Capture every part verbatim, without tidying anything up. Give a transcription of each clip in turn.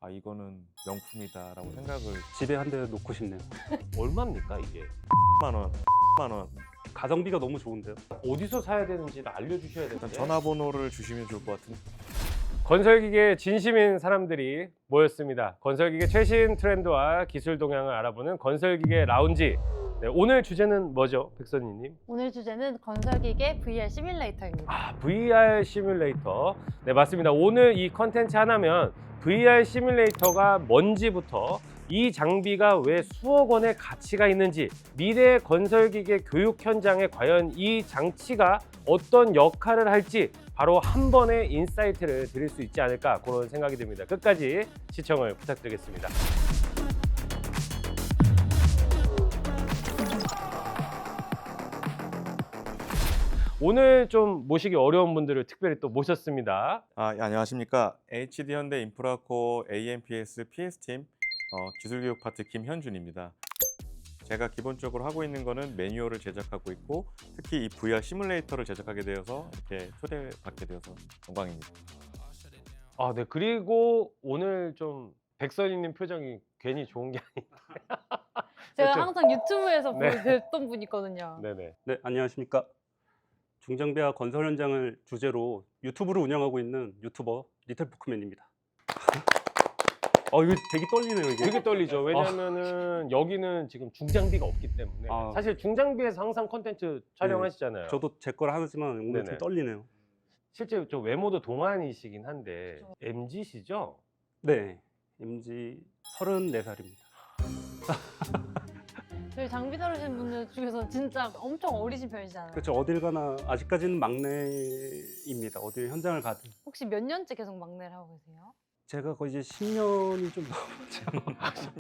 아 이거는 명품이다라고 생각을. 집에 한 대 놓고 싶네요. 얼마입니까 이게? 만 원, 만 원. 가성비가 너무 좋은데요. 어디서 사야 되는지를 알려주셔야 일단 되는데. 전화번호를 주시면 좋을 것 같은데. 건설기계 진심인 사람들이 모였습니다. 건설기계 최신 트렌드와 기술 동향을 알아보는 건설기계 라운지. 네, 오늘 주제는 뭐죠, 백선희님? 오늘 주제는 건설기계 브이알 시뮬레이터입니다. 아, 브이알 시뮬레이터. 네, 맞습니다. 오늘 이 컨텐츠 하나면 브이알 시뮬레이터가 뭔지부터 이 장비가 왜 수억 원의 가치가 있는지, 미래 건설기계 교육 현장에 과연 이 장치가 어떤 역할을 할지 바로 한 번의 인사이트를 드릴 수 있지 않을까, 그런 생각이 듭니다. 끝까지 시청을 부탁드리겠습니다. 오늘 좀 모시기 어려운 분들을 특별히 또 모셨습니다. 아 예, 안녕하십니까. 에이치디 현대 인프라코어 에이엠피에스 피에스팀 어, 기술교육 파트 김현준입니다. 제가 기본적으로 하고 있는 거는 매뉴얼을 제작하고 있고, 특히 이 브이알 시뮬레이터를 제작하게 되어서 이렇게 초대받게 되어서 영광입니다. 아, 네. 그리고 오늘 좀 백선희님 표정이 괜히 좋은 게 제가 그렇죠. 항상 유튜브에서 네. 뵀던 분이거든요. 네네. 네, 안녕하십니까. 중장비와 건설 현장을 주제로 유튜브를 운영하고 있는 유튜버 리틀포크맨입니다. 어, 이거 되게 떨리네요, 이게. 되게 떨리죠. 왜냐면은 여기는 지금 중장비가 없기 때문에. 아. 사실 중장비에서 항상 컨텐츠 촬영하시잖아요. 저도 제 거를 하지만 오늘 네네. 좀 떨리네요. 실제 좀 외모도 동안이시긴 한데 엠지시죠? 네, 엠지 서른네 살입니다. 저희 장비 다루시는 분들 중에서 진짜 엄청 어리신 편이잖아요. 그렇죠. 어딜 가나 아직까지는 막내입니다. 어딜 현장을 가든. 혹시 몇 년째 계속 막내를 하고 계세요? 제가 거의 이제 십 년이 좀 넘었죠.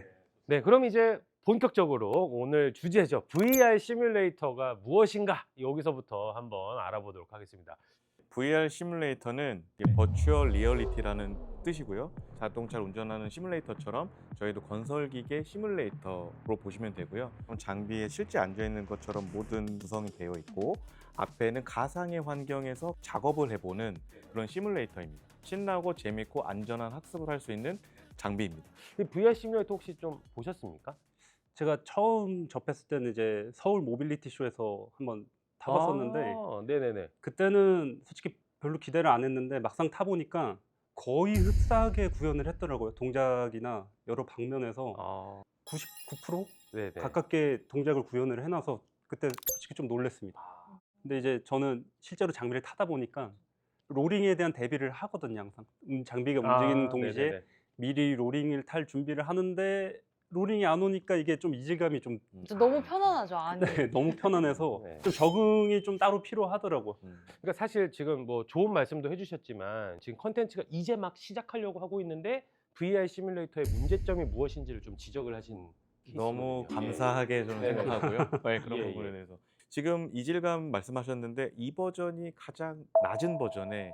네, 그럼 이제 본격적으로 오늘 주제죠. 브이알 시뮬레이터가 무엇인가? 여기서부터 한번 알아보도록 하겠습니다. 브이알 시뮬레이터는 버추얼 리얼리티라는 뜻이고요. 자동차를 운전하는 시뮬레이터처럼 저희도 건설기계 시뮬레이터로 보시면 되고요. 장비에 실제 앉아있는 것처럼 모든 구성이 되어 있고, 앞에는 가상의 환경에서 작업을 해보는 그런 시뮬레이터입니다. 신나고 재밌고 안전한 학습을 할 수 있는 장비입니다. 이 브이알 시뮬레이터 혹시 좀 보셨습니까? 제가 처음 접했을 때는 이제 서울 모빌리티 쇼에서 한번 타봤었는데 아, 네네네. 그때는 솔직히 별로 기대를 안 했는데 막상 타보니까 거의 흡사하게 구현을 했더라고요. 동작이나 여러 방면에서 아, 구십구 퍼센트 네네. 가깝게 동작을 구현을 해놔서 그때 솔직히 좀 놀랐습니다. 아, 근데 이제 저는 실제로 장비를 타다 보니까 로링에 대한 대비를 하거든요. 항상 음, 장비가 움직이는 아, 동시에 네네네. 미리 로링을 탈 준비를 하는데 로링이 안 오니까 이게 좀 이질감이 좀 진짜 너무 편안하죠, 안이. 네, 너무 편안해서 네. 좀 적응이 좀 따로 필요하더라고요. 음. 그러니까 사실 지금 뭐 좋은 말씀도 해주셨지만 지금 컨텐츠가 이제 막 시작하려고 하고 있는데 브이알 시뮬레이터의 문제점이 무엇인지를 좀 지적을 하신 너무 케이스거든요. 감사하게 저는 네네. 생각하고요. 네, 그런 예, 예. 부분에 대해서. 지금 이질감 말씀하셨는데 이 버전이 가장 낮은 버전에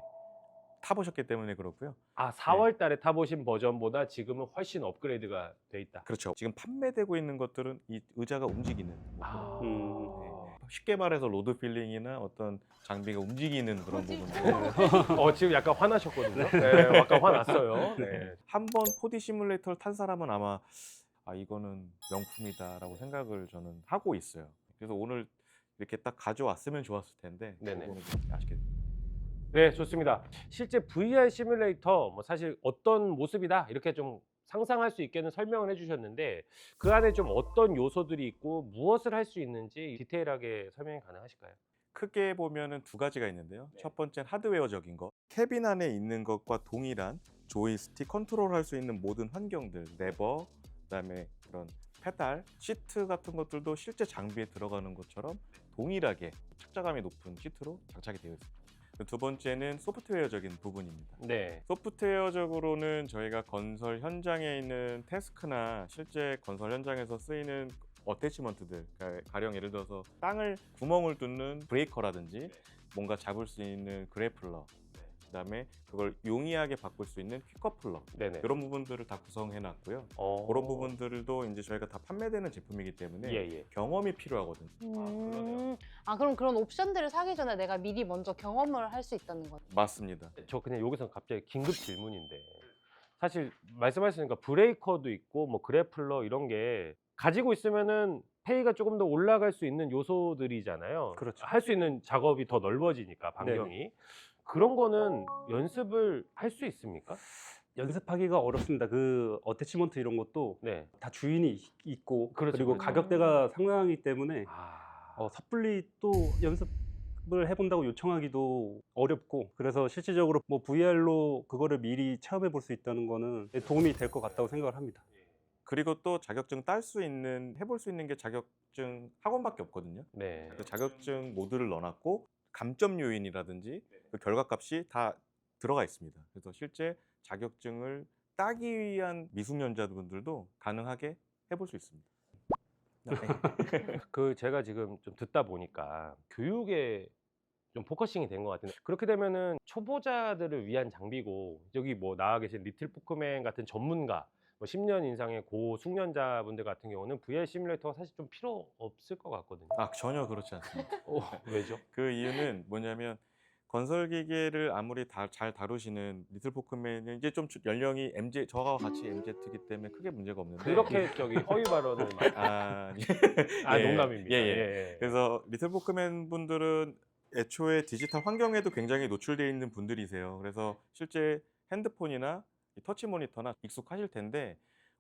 타보셨기 때문에 그렇고요. 아, 사월 달에 타보신 버전보다 지금은 훨씬 업그레이드가 돼 있다. 그렇죠. 지금 판매되고 있는 것들은 이 의자가 움직이는 아, 음. 쉽게 말해서 로드 필링이나 어떤 장비가 움직이는 그런 뭐지? 부분들. 어, 지금 약간 화나셨거든요. 네, 약간 화났어요. 네. 한번 포디 시뮬레이터를 탄 사람은 아마 아 이거는 명품이다라고 생각을 저는 하고 있어요. 그래서 오늘 이렇게 딱 가져왔으면 좋았을 텐데 네네. 그거는 좀 아쉽게 네, 좋습니다. 실제 브이알 시뮬레이터 뭐 사실 어떤 모습이다 이렇게 좀 상상할 수 있게는 설명을 해주셨는데 그 안에 좀 어떤 요소들이 있고 무엇을 할 수 있는지 디테일하게 설명이 가능하실까요? 크게 보면은 두 가지가 있는데요. 첫 번째는 하드웨어적인 거. 캐빈 안에 있는 것과 동일한 조이스틱 컨트롤할 수 있는 모든 환경들, 레버, 그다음에 그런 페달, 시트 같은 것들도 실제 장비에 들어가는 것처럼 동일하게 착자감이 높은 시트로 장착이 되어 있습니다. 두 번째는 소프트웨어적인 부분입니다. 네. 소프트웨어적으로는 저희가 건설 현장에 있는 태스크나 실제 건설 현장에서 쓰이는 어태치먼트들, 그러니까 가령 예를 들어서 땅을 구멍을 뚫는 브레이커라든지 뭔가 잡을 수 있는 그래플러, 그다음에 그걸 용이하게 바꿀 수 있는 퀵커플러, 네네. 이런 부분들을 다 구성해 놨고요. 어... 그런 부분들도 이제 저희가 다 판매되는 제품이기 때문에 예, 예. 경험이 필요하거든요. 음, 아, 그럼 그런 옵션들을 사기 전에 내가 미리 먼저 경험을 할 수 있다는 거죠? 맞습니다. 저 그냥 여기서 갑자기 긴급 질문인데 사실 말씀하셨으니까 브레이커도 있고 뭐 그래플러 이런 게 가지고 있으면은 페이가 조금 더 올라갈 수 있는 요소들이잖아요. 그렇죠. 할 수 있는 작업이 더 넓어지니까 반경이. 그런 거는 연습을 할 수 있습니까? 연습하기가 어렵습니다. 그 어태치먼트 이런 것도 네. 다 주인이 있- 있고 그렇죠, 그리고 그렇죠. 가격대가 상당하기 때문에 아, 어, 섣불리 또 연습을 해본다고 요청하기도 어렵고 그래서 실질적으로 뭐 브이알로 그거를 미리 체험해 볼 수 있다는 거는 도움이 될 것 같다고 생각을 합니다. 그리고 또 자격증 딸 수 있는 해볼 수 있는 게 자격증 학원밖에 없거든요. 네. 그 자격증 모드를 넣어놨고 감점 요인이라든지 그 결과값이 다 들어가 있습니다. 그래서 실제 자격증을 따기 위한 미숙년자분들도 가능하게 해볼 수 있습니다. 네. 그 제가 지금 좀 듣다 보니까 교육에 좀 포커싱이 된 것 같은데 그렇게 되면은 초보자들을 위한 장비고 여기 뭐 나와 계신 리틀 포크맨 같은 전문가 뭐 십 년 이상의 고숙련자분들 같은 경우는 브이알 시뮬레이터가 사실 좀 필요 없을 것 같거든요. 아 전혀 그렇지 않습니다. 어, 왜죠? 그 이유는 뭐냐면 건설 기계를 아무리 다, 잘 다루시는 리틀 포크맨은 이제 좀 연령이 엠지 저와 같이 엠지이기 때문에 크게 문제가 없는데 그렇게 저기 허위 발언을 아, 아 예, 농담입니다. 예, 예. 예, 예. 그래서 리틀 포크맨 분들은 애초에 디지털 환경에도 굉장히 노출되어 있는 분들이세요. 그래서 실제 핸드폰이나 이 터치 모니터나 익숙하실 텐데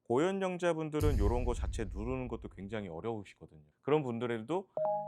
고연령자분들은 이런 거 자체 누르는 것도 굉장히 어려우시거든요. 그런 분들에도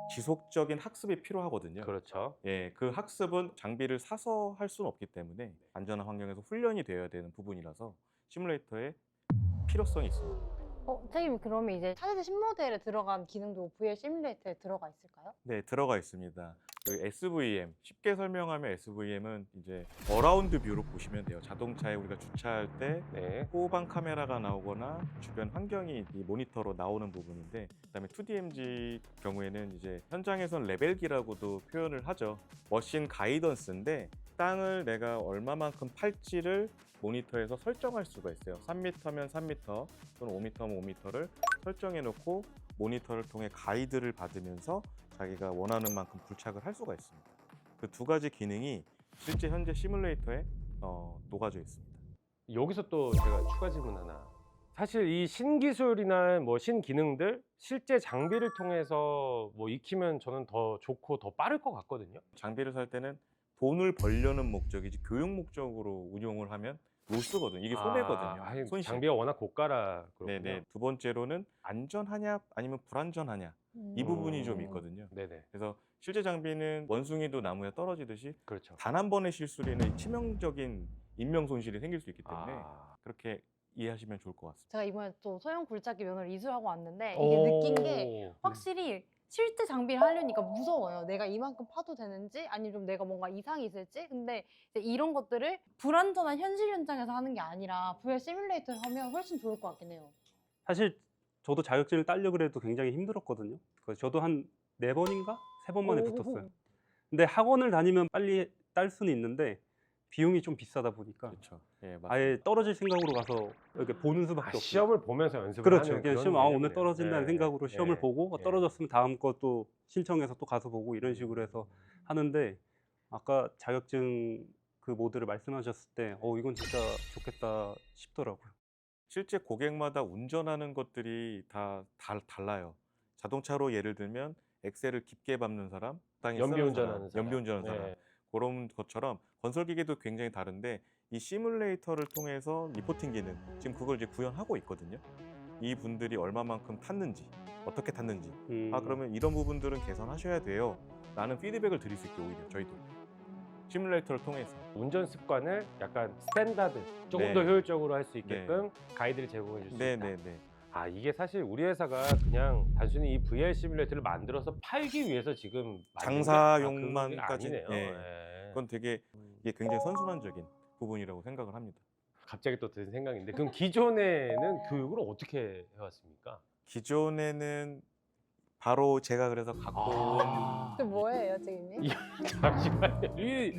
지속적인 학습이 필요하거든요. 그렇죠. 예, 그 학습은 장비를 사서 할 수는 없기 때문에 안전한 환경에서 훈련이 되어야 되는 부분이라서 시뮬레이터의 필요성이 있습니다. 어, 선생님 그러면 이제 차세대 신모델에 들어간 기능도 브이알 시뮬레이터에 들어가 있을까요? 네, 들어가 있습니다. 그 에스브이엠, 쉽게 설명하면 에스브이엠은 이제 어라운드 뷰로 보시면 돼요. 자동차에 우리가 주차할 때 네. 후방 카메라가 나오거나 주변 환경이 이 모니터로 나오는 부분인데, 그다음에 투디엠지 경우에는 이제 현장에선 레벨기라고도 표현을 하죠. 머신 가이던스인데 땅을 내가 얼마만큼 팔지를 모니터에서 설정할 수가 있어요. 삼 미터면 삼 미터 또는 오 미터면 오 미터를 설정해 놓고 모니터를 통해 가이드를 받으면서 자기가 원하는 만큼 불착을 할 수가 있습니다. 그 두 가지 기능이 실제 현재 시뮬레이터에 어, 녹아져 있습니다. 여기서 또 제가 추가 질문 하나. 사실 이 신기술이나 뭐 신기능들 실제 장비를 통해서 뭐 익히면 저는 더 좋고 더 빠를 것 같거든요. 장비를 살 때는 돈을 벌려는 목적이지 교육 목적으로 운용을 하면 못 쓰거든요. 이게 손해거든요. 아, 아니, 손실. 장비가 워낙 고가라 그렇군요. 네네. 두 번째로는 안전하냐 아니면 불안전하냐 음. 이 부분이 좀 있거든요. 네네. 그래서 실제 장비는 원숭이도 나무에 떨어지듯이 그렇죠. 단 한 번의 실수로는 치명적인 인명 손실이 생길 수 있기 때문에 아. 그렇게 이해하시면 좋을 것 같습니다. 제가 이번에 또 소형 굴착기 면허를 이수하고 왔는데 이게 오. 느낀 게 확실히 실제 장비를 하려니까 무서워요. 내가 이만큼 파도 되는지 아니면 좀 내가 뭔가 이상이 있을지. 근데 이제 이런 것들을 불안전한 현실 현장에서 하는 게 아니라 브이알 시뮬레이터를 하면 훨씬 좋을 것 같긴 해요. 사실 저도 자격증을 따려고 해도 굉장히 힘들었거든요. 그래서 저도 한 네 번인가 세 번 만에 오. 붙었어요. 근데 학원을 다니면 빨리 딸 수는 있는데 비용이 좀 비싸다 보니까 그렇죠. 예, 맞습니다. 아예 떨어질 생각으로 가서 이렇게 보는 아, 수밖에 없어요. 시험을 보면서 연습을 그렇죠. 하는 그냥 그런 시험 아 오늘 개념이네요. 떨어진다는 네. 생각으로 시험을 네. 보고 네. 떨어졌으면 다음 거 또 신청해서 또 가서 보고 이런 식으로 해서 하는데 아까 자격증 그 모드를 말씀하셨을 때 어 이건 진짜 좋겠다 싶더라고요. 실제 고객마다 운전하는 것들이 다, 다 달라요. 자동차로 예를 들면 엑셀을 깊게 밟는 사람, 적당히 연비 쓰는 운전하는 사람. 연비 운전하는 네. 사람, 그런 것처럼 건설 기계도 굉장히 다른데 이 시뮬레이터를 통해서 리포팅 기능, 지금 그걸 이제 구현하고 있거든요. 이 분들이 얼마만큼 탔는지, 어떻게 탔는지, 음, 아 그러면 이런 부분들은 개선하셔야 돼요. 라는 피드백을 드릴 수 있게 오히려 저희도 시뮬레이터를 통해서. 운전 습관을 약간 스탠다드 조금 네. 더 효율적으로 할 수 있게끔 가이드를 제공해 줄 수 있다. 네네네. 아 이게 사실 우리 회사가 그냥 단순히 이 브이알 시뮬레이터를 만들어서 팔기 위해서 지금 만든 게- 장사용만까지- 아, 그게 아니네요. 예. 예. 그건 되게 이게 굉장히 선순환적인 부분이라고 생각을 합니다. 갑자기 또 든 생각인데 그럼 기존에는 교육을 어떻게 해왔습니까? 기존에는 바로 제가 그래서 갖고 온 아, 그 뭐예요, 선생님? 잠시만요. 이-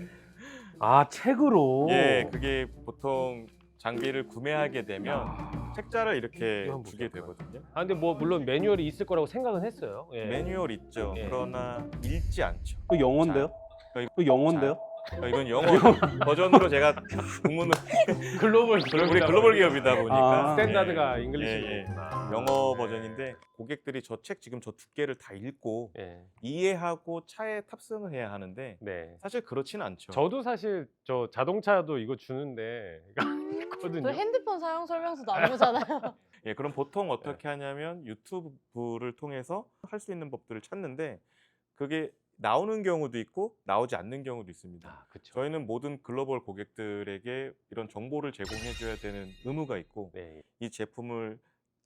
아 책으로. 예, 그게 보통 장비를 구매하게 되면 야. 책자를 이렇게 이거 한번 주게 볼게요. 되거든요. 아 근데 뭐 물론 매뉴얼이 있을 거라고 생각은 했어요. 예. 매뉴얼 있죠. 예. 그러나 읽지 않죠. 그 영어인데요? 자, 그 영어인데요? 아, 이건 영어 버전으로 제가 공문을 글로벌 우리 글로벌 기업이다 보니까 아. 스탠다드가 예, 잉글리시로. 예, 예. 있구나. 영어 네. 버전인데 고객들이 저 책 지금 저 두께를 다 읽고 예. 이해하고 차에 탑승을 해야 하는데 네. 사실 그렇지는 않죠. 저도 사실 저 자동차도 이거 주는데 있거든요. 저 핸드폰 사용 설명서도 안 보잖아요. 예, 그럼 보통 어떻게 하냐면 유튜브를 통해서 할 수 있는 법들을 찾는데 그게 나오는 경우도 있고 나오지 않는 경우도 있습니다. 아, 그렇죠. 저희는 모든 글로벌 고객들에게 이런 정보를 제공해 줘야 되는 의무가 있고 네. 이 제품을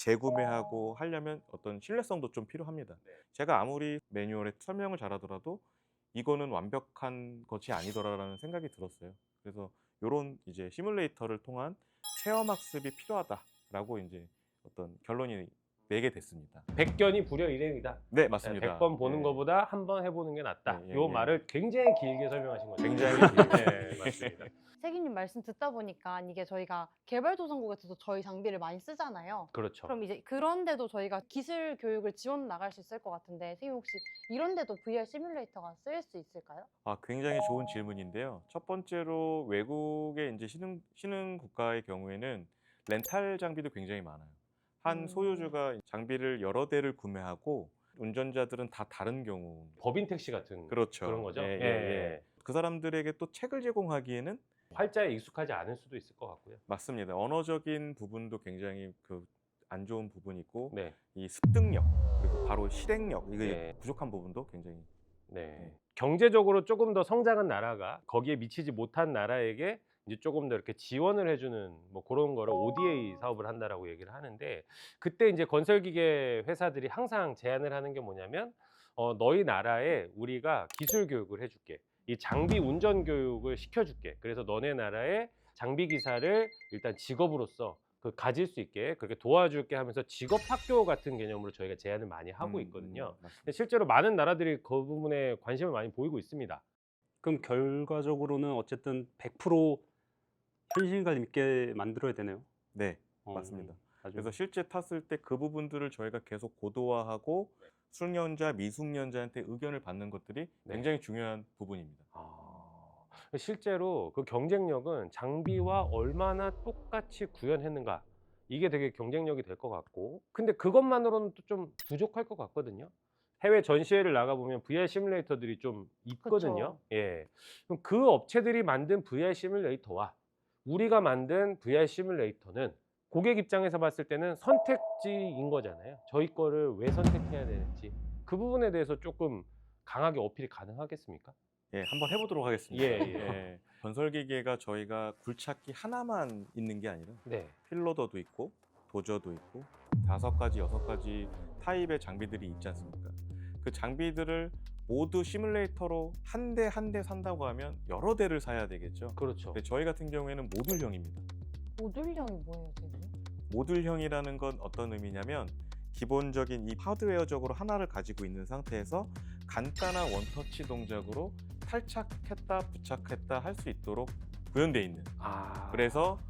재구매하고 하려면 어떤 신뢰성도 좀 필요합니다. 제가 아무리 매뉴얼에 설명을 잘하더라도 이거는 완벽한 것이 아니더라라는 생각이 들었어요. 그래서 이런 이제 시뮬레이터를 통한 체험 학습이 필요하다라고 이제 어떤 결론이 내게 됐습니다. 백견이 불여 일행이다. 네, 맞습니다. 백 번 보는 예. 것보다 한 번 해보는 게 낫다. 예, 예, 요 예. 말을 굉장히 길게 설명하신 거죠. 굉장히 네, 맞습니다. 세기님 말씀 듣다 보니까 이게 저희가 개발도상국에서도 저희 장비를 많이 쓰잖아요. 그렇죠. 그럼 이제 그런데도 저희가 기술 교육을 지원 나갈 수 있을 것 같은데 세기님 혹시 이런데도 브이알 시뮬레이터가 쓰일 수 있을까요? 아, 굉장히 좋은 질문인데요. 첫 번째로 외국의 이제 신흥 신흥 국가의 경우에는 렌탈 장비도 굉장히 많아요. 한 음. 소유주가 장비를 여러 대를 구매하고 운전자들은 다 다른 경우. 법인 택시 같은 그렇죠. 그런 거죠. 예, 예, 예, 예. 그 사람들에게 또 책을 제공하기에는 활자에 익숙하지 않을 수도 있을 것 같고요. 맞습니다. 언어적인 부분도 굉장히 그 안 좋은 부분이 있고 네, 이 습득력 그리고 바로 실행력 이게 네. 부족한 부분도 굉장히 네. 네. 경제적으로 조금 더 성장한 나라가 거기에 미치지 못한 나라에게 이제 조금 더 이렇게 지원을 해주는 뭐 그런 거를 오디에이 사업을 한다라고 얘기를 하는데 그때 이제 건설기계 회사들이 항상 제안을 하는 게 뭐냐면 어, 너희 나라에 우리가 기술 교육을 해줄게. 이 장비 운전 교육을 시켜줄게. 그래서 너네 나라의 장비 기사를 일단 직업으로서 그 가질 수 있게 그렇게 도와줄게 하면서 직업 학교 같은 개념으로 저희가 제안을 많이 하고 음, 있거든요. 음, 맞습니다. 근데 실제로 많은 나라들이 그 부분에 관심을 많이 보이고 있습니다. 그럼 결과적으로는 어쨌든 백 퍼센트 현실감 있게 만들어야 되네요. 네, 어, 맞습니다. 아주 그래서 실제 탔을 때 그 부분들을 저희가 계속 고도화하고 숙련자, 미숙련자한테 의견을 받는 것들이 네. 굉장히 중요한 부분입니다. 아, 실제로 그 경쟁력은 장비와 얼마나 똑같이 구현했는가 이게 되게 경쟁력이 될 것 같고 근데 그것만으로는 또 좀 부족할 것 같거든요. 해외 전시회를 나가보면 브이알 시뮬레이터들이 좀 있거든요. 그쵸. 예. 그럼 그 업체들이 만든 브이알 시뮬레이터와 우리가 만든 브이알 시뮬레이터는 고객 입장에서 봤을 때는 선택지인 거잖아요. 저희 거를 왜 선택해야 되는지 그 부분에 대해서 조금 강하게 어필이 가능하겠습니까? 예, 한번 해보도록 하겠습니다. 예, 예. 건설기계가 저희가 굴착기 하나만 있는 게 아니라 네. 필로더도 있고 도저도 있고 다섯 가지, 여섯 가지 타입의 장비들이 있지 않습니까? 그 장비들을 모두 시뮬레이터로 한 대 한 대 산다고 하면 여러 대를 사야 되겠죠. 그렇죠. 근데 저희 같은 경우에는 모듈형입니다. 모듈형이 뭐예요, 세기님? 모듈형이라는 건 어떤 의미냐면 기본적인 이 하드웨어적으로 하나를 가지고 있는 상태에서 간단한 원터치 동작으로 탈착했다 부착했다 할 수 있도록 구현되어 있는 아, 그래서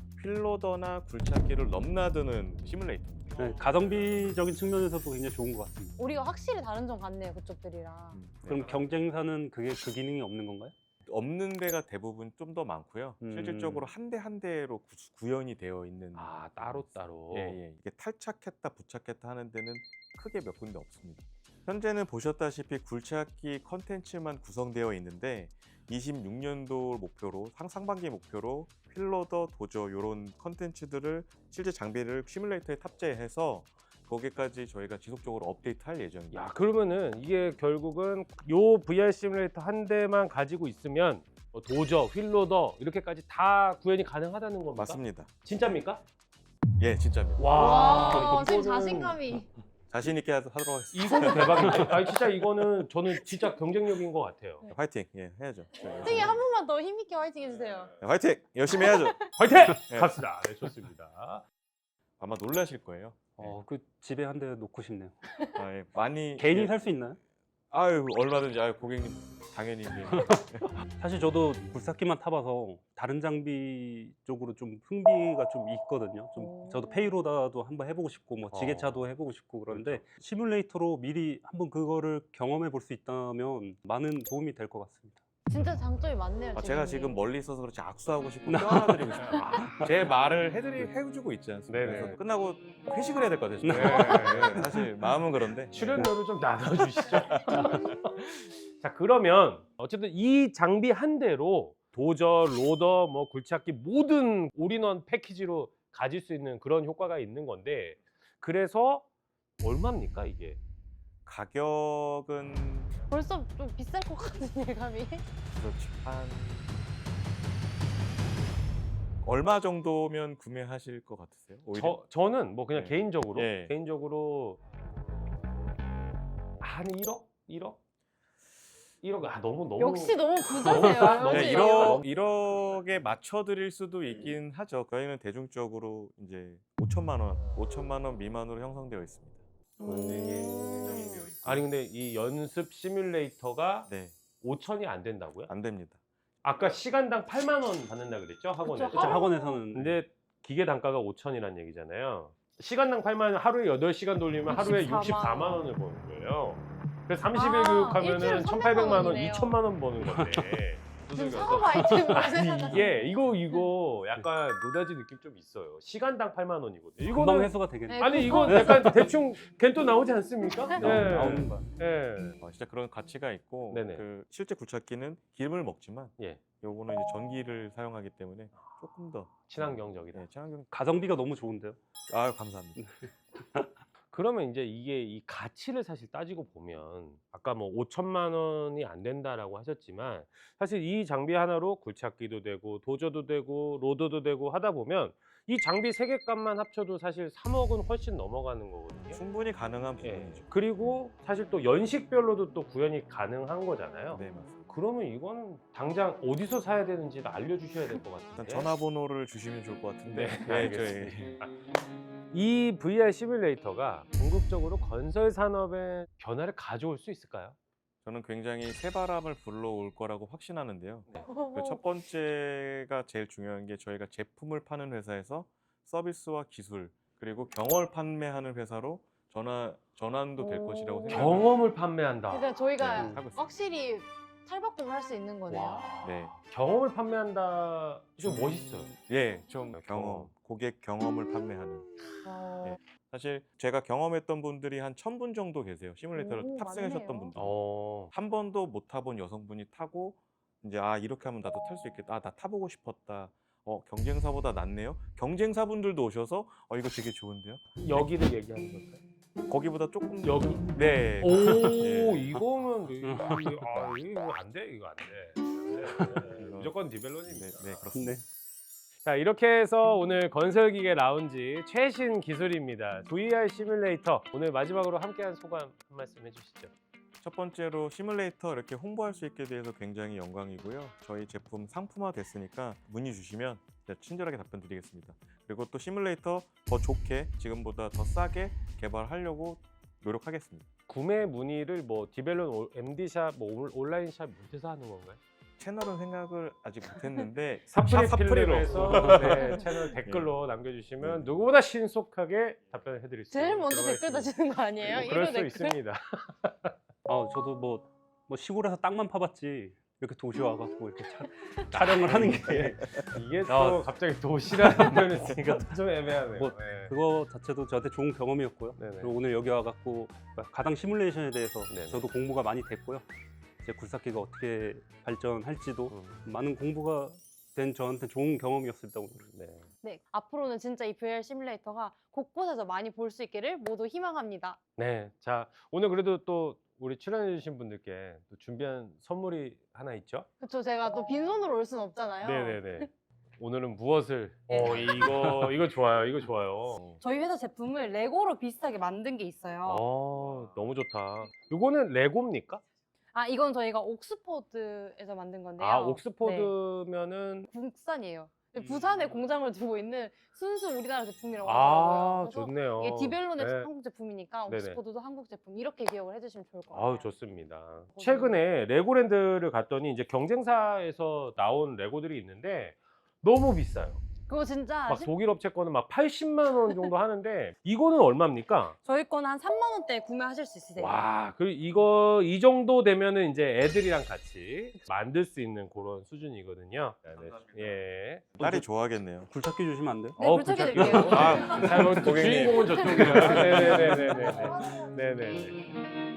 필로더나 굴착기를 넘나드는 시뮬레이터입니다. 네, 가성비적인 측면에서도 굉장히 좋은 것 같습니다. 우리가 확실히 다른 점 같네요, 그쪽들이랑. 음, 네. 그럼 경쟁사는 그게 그 기능이 없는 건가요? 없는 데가 대부분 좀 더 많고요. 음. 실질적으로 한 대 한 대로 구- 구현이 되어 있는 아 따로 따로. 예, 예. 이게 탈착했다 부착했다 하는 데는 크게 몇 군데 없습니다. 현재는 보셨다시피 굴착기 컨텐츠만 구성되어 있는데 이십육 년도 목표로 상, 상반기 목표로 필로더, 도저 이런 컨텐츠들을 실제 장비를 시뮬레이터에 탑재해서 거기까지 저희가 지속적으로 업데이트할 예정입니다. 야 그러면은 이게 결국은 요 브이알 시뮬레이터 한 대만 가지고 있으면 뭐 도저, 휠로더 이렇게까지 다 구현이 가능하다는 겁니까? 맞습니다. 진짜입니까? 예, 진짜입니다. 와, 와, 지금 이거는- 자신감이. 자신 있게 하- 하도록 하겠습니다. 이거는 대박인데. 아니 진짜 이거는 저는 진짜 경쟁력인 것 같아요. 화이팅! 예, 해야죠. 세기 한 번만 더 힘있게 화이팅 해주세요. 네, 화이팅! 열심히 해야죠. 화이팅! 네. 갑시다. 네, 좋습니다. 아마 놀라실 거예요. 어, 그 집에 한 대 놓고 싶네요. 아, 예, 많이 개인이 예, 살 수 있나요? 아유 얼마든지 아유 고객님 당연히 이제 사실 저도 굴삭기만 타봐서 다른 장비 쪽으로 좀 흥미가 좀 있거든요. 좀 오. 저도 페이로다도 한번 해보고 싶고 뭐 지게차도 해보고 싶고 그런데 시뮬레이터로 미리 한번 그거를 경험해 볼 수 있다면 많은 도움이 될 것 같습니다. 진짜 장점이 많네요. 아, 제가 지금이. 지금 멀리 있어서 그렇지 악수하고 싶고 껴안아드리고 싶어요. 아, 제 말을 해드리 해주고 있지 않습니까? 네네. 그래서 끝나고 회식을 해야 될 것 같아요. 지금. 네. 네, 사실 마음은 그런데 출연료를 좀 나눠주시죠. 자, 그러면 어쨌든 이 장비 한 대로 도저, 로더, 뭐 굴착기 모든 올인원 패키지로 가질 수 있는 그런 효과가 있는 건데, 그래서 얼마입니까 이게? 가격은 벌써 좀 비쌀 것 같은 예감이. 그렇지 한 얼마 정도면 구매하실 것 같으세요? 오히려? 저 저는 뭐 그냥 네. 개인적으로 예. 개인적으로 한 일억? 일억? 일억 아 너무 너무 역시 너무 부자세요. 너무 네, 역시. 일억 일억에 맞춰 드릴 수도 있긴 하죠. 저희는 대중적으로 이제 오천만 원, 오천만 원 미만으로 형성되어 있습니다. 음. 아니 근데 이 연습 시뮬레이터가 네, 오천이 안 된다고요? 안 됩니다. 아까 시간당 팔만 원 받는다 그랬죠? 학원에. 그쵸, 그쵸, 학원에서는 근데 기계 단가가 오천이라는 얘기잖아요. 시간당 팔만 원, 하루에 여덟 시간 돌리면 하루에 육십사만 육십사만 원을 버는 거예요. 그래서 삼십 일 아, 교육하면은 일주일에 천팔백만 원, 삼백만 원이네요. 이천만 원 버는 건데. 지금 두들겨서. 사업 아이템으로 아니 생각하는. 이게 이거 이거 약간 노다지 느낌 좀 있어요. 시간당 팔만 원이거든요. 금방 이거는 회수가 되겠네. 네. 아니 이거 약간 대충 걘또 나오지 않습니까? 네. 네. 나오는 거야. 네. 어, 진짜 그런 가치가 있고 네네. 그 실제 굴착기는 기름을 먹지만 예. 요거는 이제 전기를 사용하기 때문에 조금 더 친환경적이다. 네, 친환경. 가성비가 너무 좋은데요. 아 감사합니다. 그러면 이제 이게 이 가치를 사실 따지고 보면 아까 뭐 오천만 원이 안 된다라고 하셨지만 사실 이 장비 하나로 굴착기도 되고 도저도 되고 로더도 되고 하다 보면 이 장비 세 개 값만 합쳐도 사실 삼억은 훨씬 넘어가는 거거든요. 충분히 가능한 예. 부분이죠. 그리고 사실 또 연식별로도 또 구현이 가능한 거잖아요. 네 맞습니다. 그러면 이거는 당장 어디서 사야 되는지를 알려주셔야 될 것 일단 같은데. 전화번호를 주시면 좋을 것 같은데. 네, 저희 알겠습니다. 이 브이알 시뮬레이터가 궁극적으로 건설 산업의 변화를 가져올 수 있을까요? 저는 굉장히 새바람을 불러올 거라고 확신하는데요. 네. 그 첫 번째가 제일 중요한 게 저희가 제품을 파는 회사에서 서비스와 기술 그리고 경험을 판매하는 회사로 전환 전환도 될 오. 것이라고 생각합니다. 경험을 판매한다. 그러니까 저희가 네, 하고 있습니다. 확실히 탈바꿈을 할 수 있는 거네요. 와. 네. 경험을 판매한다. 좀 멋있어요. 예, 좀 경험. 경험, 고객 경험을 판매하는. 어, 네. 사실 제가 경험했던 분들이 한 천 분 정도 계세요. 시뮬레이터를 오, 탑승하셨던 많네요. 분들. 어. 한 번도 못 타본 여성분이 타고 이제 아 이렇게 하면 나도 탈 수 있겠다. 아, 나 타보고 싶었다. 어 경쟁사보다 낫네요. 경쟁사분들도 오셔서 어 이거 되게 좋은데요. 여기를 얘기하는 걸까요? 거기보다 조금 여기? 네. 오, 예. 이거는 이거, 아, 이거 안 돼. 이거 안 돼. 안 돼. 네, 무조건 네, 디벨론입니다. 네 그렇습니다. 네. 자, 이렇게 해서 오늘 건설기계 라운지 최신 기술입니다. 브이알 시뮬레이터. 오늘 마지막으로 함께한 소감 한 말씀 해주시죠. 첫 번째로 시뮬레이터 이렇게 홍보할 수 있게 돼서 굉장히 영광이고요. 저희 제품 상품화 됐으니까 문의 주시면 제가 친절하게 답변 드리겠습니다. 그리고 또 시뮬레이터 더 좋게 지금보다 더 싸게 개발하려고 노력하겠습니다. 구매 문의를 뭐 디벨론 엠디샵, 뭐 올- 온라인샵 못해서 하는 건가요? 채널은 생각을 아직 못했는데 사프리 샵 필름에서 네, 채널 댓글로 남겨주시면 네. 누구보다 신속하게 답변을 해드릴 수 제일 먼저 들어가 댓글 있습니다. 다시는 거 아니에요? 뭐 일 그럴 호 수 댓글? 있습니다. 아 저도 뭐, 뭐 시골에서 땅만 파봤지 이렇게 도시 와갖고 이렇게 차, 촬영을 하는 게 이게 또 아. 갑자기 도시라는 표현을 쓰니까 또좀 애매하네요. 뭐, 네. 그거 자체도 저한테 좋은 경험이었고요. 네네. 그리고 오늘 여기 와갖고 가당 시뮬레이션에 대해서 네네. 저도 공부가 많이 됐고요. 이제 굴삭기가 어떻게 발전할지도 음, 많은 공부가 된 저한테 좋은 경험이었습니다 오늘. 네. 네, 앞으로는 진짜 이 브이알 시뮬레이터가 곳곳에서 많이 볼 수 있기를 모두 희망합니다. 네. 자, 오늘 그래도 또 우리 출연해주신 분들께 또 준비한 선물이 하나 있죠? 그쵸, 제가 또 빈손으로 올 순 없잖아요. 네네네. 오늘은 무엇을? 네. 어, 이거 이거 좋아요. 이거 좋아요. 저희 회사 제품을 레고로 비슷하게 만든 게 있어요. 어, 너무 좋다. 이거는 레고입니까? 아, 이건 저희가 옥스퍼드에서 만든 건데요. 아, 네, 옥스퍼드면은 국산이에요. 음. 부산에 공장을 두고 있는 순수 우리나라 제품이라고 아, 하더라고요. 그래서 좋네요. 이게 디벨론의 네. 한국 제품이니까 네네. 옥스퍼드도 한국 제품 이렇게 기억을 해주시면 좋을 것 같아요. 아우 좋습니다. 최근에 레고랜드를 갔더니 이제 경쟁사에서 나온 레고들이 있는데 너무 비싸요. 그거 진짜 막 십- 독일 업체 거는 막 팔십만 원 정도 하는데 이거는 얼마입니까? 저희 거는 한 삼만 원대에 구매하실 수 있으세요. 와, 그리고 이거 이 정도 되면은 이제 애들이랑 같이 만들 수 있는 그런 수준이거든요. 네, 예. 딸이 좋아하겠네요. 굴착기 주시면 안 돼요? 네, 어, 굴착해 굴착기. 드릴게요. 아, 자, 그럼 고객님. 주인공은 저쪽이라. 네네네네네. 네네.